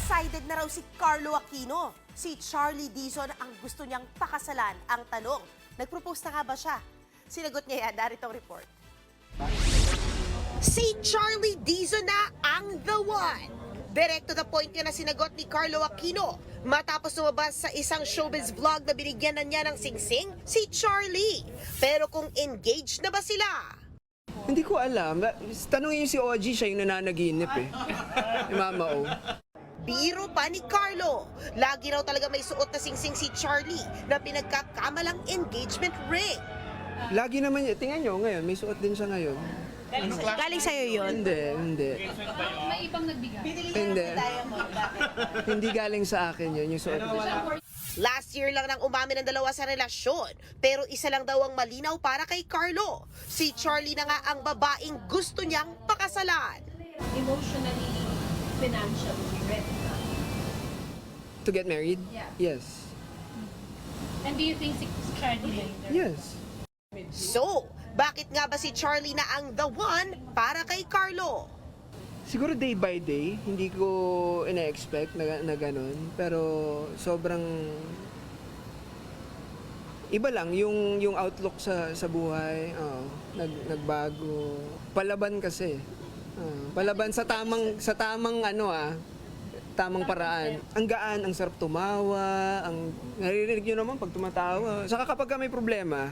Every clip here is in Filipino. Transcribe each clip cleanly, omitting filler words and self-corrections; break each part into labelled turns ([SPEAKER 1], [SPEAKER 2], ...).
[SPEAKER 1] Decided na raw si Carlo Aquino. Si Charlie Dizon ang gusto niyang pakasalan. Ang tanong, nag-propose na nga ba siya? Sinagot niya yan, darito ang report. Si Charlie Dizon na ang the one. Direct to the point nga na sinagot ni Carlo Aquino matapos lumabas sa isang showbiz vlog na binigyan na niya ng singsing si Charlie. Pero kung engaged na ba sila?
[SPEAKER 2] Hindi ko alam. Tanungin niyo si OG, siya yung nananaginip eh. Ni Mama O.
[SPEAKER 1] Biro pa ni Carlo. Lagi raw talaga may suot na singsing si Charlie na pinagkakamalang engagement ring.
[SPEAKER 2] Lagi naman yun. Tingnan niyo ngayon, may suot din siya ngayon.
[SPEAKER 1] Galing sa'yo yun?
[SPEAKER 2] Hindi.
[SPEAKER 3] May ibang nagbigay.
[SPEAKER 2] Hindi. Hindi galing sa akin yun, yung suot niya.
[SPEAKER 1] Last year lang nang umamin ang dalawa sa relasyon, pero isa lang daw ang malinaw para kay Carlo. Si Charlie na nga ang babaeng gusto niyang pakasalan.
[SPEAKER 3] Emotionally, financially ready na.
[SPEAKER 2] To get married?
[SPEAKER 3] Yeah.
[SPEAKER 2] Yes.
[SPEAKER 3] And do you think si Charlie later?
[SPEAKER 2] Yes.
[SPEAKER 1] So, bakit nga ba si Charlie na ang the one para kay Carlo?
[SPEAKER 2] Siguro day by day, hindi ko ina-expect na ganun. Pero sobrang iba lang yung outlook sa buhay. Nagbago. Palaban kasi. Palaban sa tamang tamang paraan. Ang gaan, ang sarap tumawa, naririnig nyo naman pag tumatawa. Saka kapag may problema,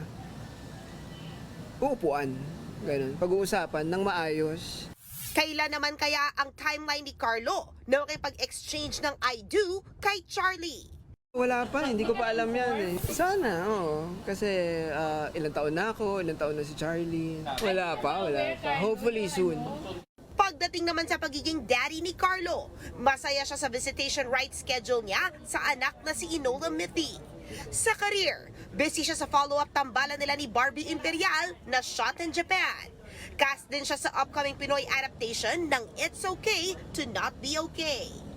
[SPEAKER 2] uupuan. Ganun. Pag-uusapan ng maayos.
[SPEAKER 1] Kailan naman kaya ang timeline ni Carlo na makipag-exchange ng I do kay Charlie?
[SPEAKER 2] Wala pa, hindi ko pa alam yan eh. Sana, oo. Kasi ilang taon na ako, ilang taon na si Charlie. Wala pa. Hopefully soon.
[SPEAKER 1] Pagdating naman sa pagiging daddy ni Carlo, masaya siya sa visitation rights schedule niya sa anak na si Enola Mithi. Sa career, busy siya sa follow-up tambalan nila ni Barbie Imperial na shot in Japan. Cast din siya sa upcoming Pinoy adaptation ng It's Okay to Not Be Okay.